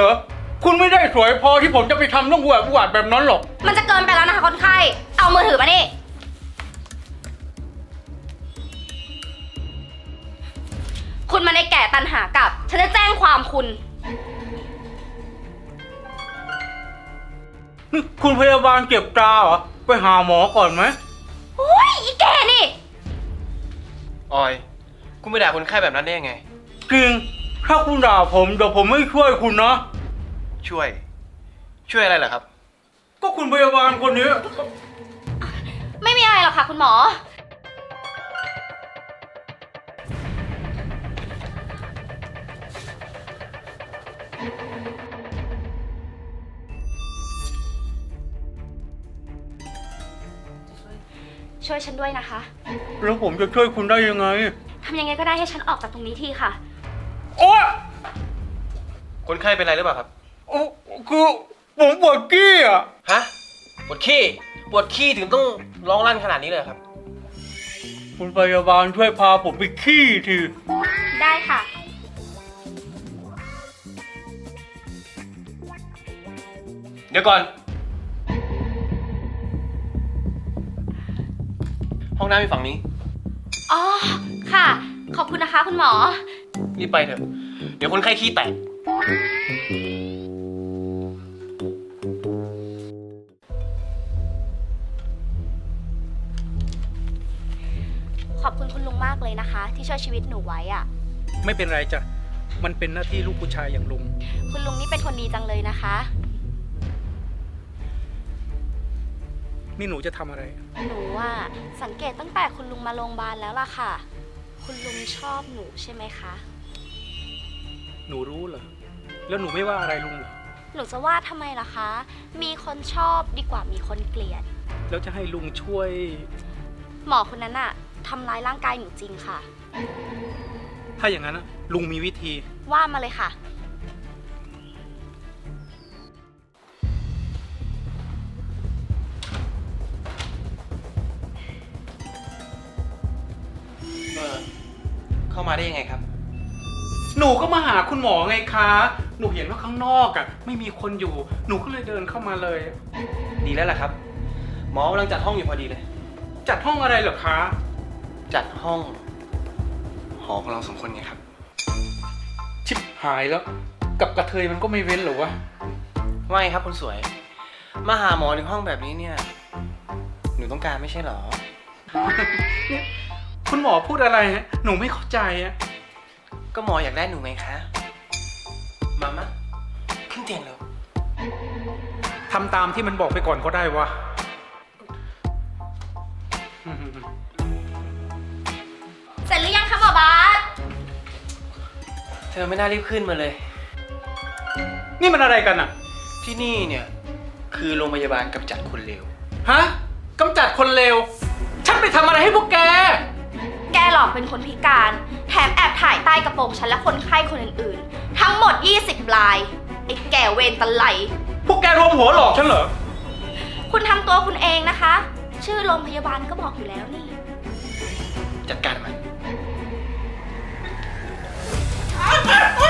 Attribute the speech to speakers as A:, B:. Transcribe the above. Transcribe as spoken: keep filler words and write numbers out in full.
A: เหรอคุณไม่ได้สวยพอที่ผมจะไปทำเรื่องอุบาทแบบนั้นหรอก
B: มันจะเกินไปแล้วนะคะคนไข้เอามือถือมานี่คุณมาในแก่ตันหากลับฉันจะแจ้งความคุณ
A: นี่คุณพยาบาลเก็บตาเหรอไปหาหมอก่อนไหม
B: โอ้ยอีแกนี่
C: ออย คุณไปด่าคนไข้แบบนั้นได้ยังไง
A: จริงถ้าคุณด่าผมเดี๋ยวผมไม่ช่วยคุณนะ
C: ช่วย ช่วยอะไรเหรอครับ
A: ก็คุณพยาบาลคนนี้
B: ไม่มีอะไรหรอกค่ะคุณหมอช่วยฉันด้วยนะคะ
A: แล้วผมจะช่วยคุณได้ยังไง
B: ทำยังไงก็ได้ให้ฉันออกจากตรงนี้ทีค่ะ
A: โอ๊ย
C: คนไข้เป็นอะไรหรือเปล่าครับ
A: โอ้คือผมปวดกี้อ่ะ
C: ฮะ ปวดขี้ ปวดขี้ถึงต้องร้องลั่นขนาดนี้เลยครับ
A: คุณพยาบาลช่วยพาผมไปขี้ที
B: ได้ค่ะ
C: เดี๋ยวก่อน ห้องน้ำอยู่ฝั่งนี้
B: อ๋อ ค่ะ ขอบคุณนะคะคุณหมอ
C: รีบไปเถอะ เดี๋ยวคนไข้ขี้แตก
B: ขอบคุณคุณลุงมากเลยนะคะ ที่ช่วยชีวิตหนูไว้อะ
D: ไม่เป็นไรจ้ะ มันเป็นหน้าที่ลูกผู้ชายอย่างลุง
B: คุณลุงนี่เป็นคนดีจังเลยนะคะ
D: นี่หนูจะทำอะไร
B: หนูว่าสังเกตตั้งแต่คุณลุงมาโรงพยาบาลแล้วล่ะค่ะ คุณลุงชอบหนูใช่ไหมคะ
D: หนูรู้เหรอ แล้วหนูไม่ว่าอะไรลุงเหรอ
B: หนูจะว่าทำไมล่ะคะ มีคนชอบดีกว่ามีคนเกลียด
D: แล้วจะให้ลุงช่วย
B: หมอคนนั้นอะทำร้ายร่างกายหนูจริงค่ะ
D: ถ้าอย่างนั้นนะลุงมีวิธี
B: ว่ามาเลยค่ะ
C: เออ เข้ามาได้ยังไงครับ
D: หนูก็มาหาคุณหมอไงคะ หนูเห็นว่าข้างนอกอ่ะ ไม่มีคนอยู่ หนูก็เลยเดินเข้ามาเลย
C: ดีแล้วล่ะครับ หมอกำลังจัดห้องอยู่พอดีเลย
D: จัดห้องอะไรเหรอคะ
C: จัดห้อง หอของเราสองคนไงครับ
D: ชิบหายแล้ว กับกระเทยมันก็ไม่เว้นเหรอวะ
C: ว่าไงครับคนสวย มาหาหมอถึงห้องแบบนี้เนี่ย หนูต้องการไม่ใช่เหรอ
D: คุณหมอพูดอะไรฮะ หนูไม่เข้าใจอะ
C: ก็หมออยากได้หนูไงคะ มามะขึ้นเตียงเร็ว
D: ทำตามที่มันบอกไปก่อนก็ได้วะ
B: เสร็จหรือยังคะหมอบาส
C: เธอไม่น่ารีบขึ้นมาเลย
D: นี่มันอะไรกันอะ
C: ที่นี่เนี่ย คือโรงพยาบาลกำจัดคนเลว
D: ฮะกำจัดคนเลว ฉันไปทำอะไรให้พวกแก
B: แกหลอกเป็นคนพิการ แถมแอบถ่ายใต้กระโปรงฉันและคนไข้คนอื่นๆ ทั้งหมดยี่สิบราย ไอ้แก่เวรตะไล
D: พวกแกรวมหัวหลอกฉันเหรอ
B: คุณทำตัวคุณเองนะคะ ชื่อโรงพยาบาลก็บอกอยู่แล้วนี่
C: จัดการมัน
D: โ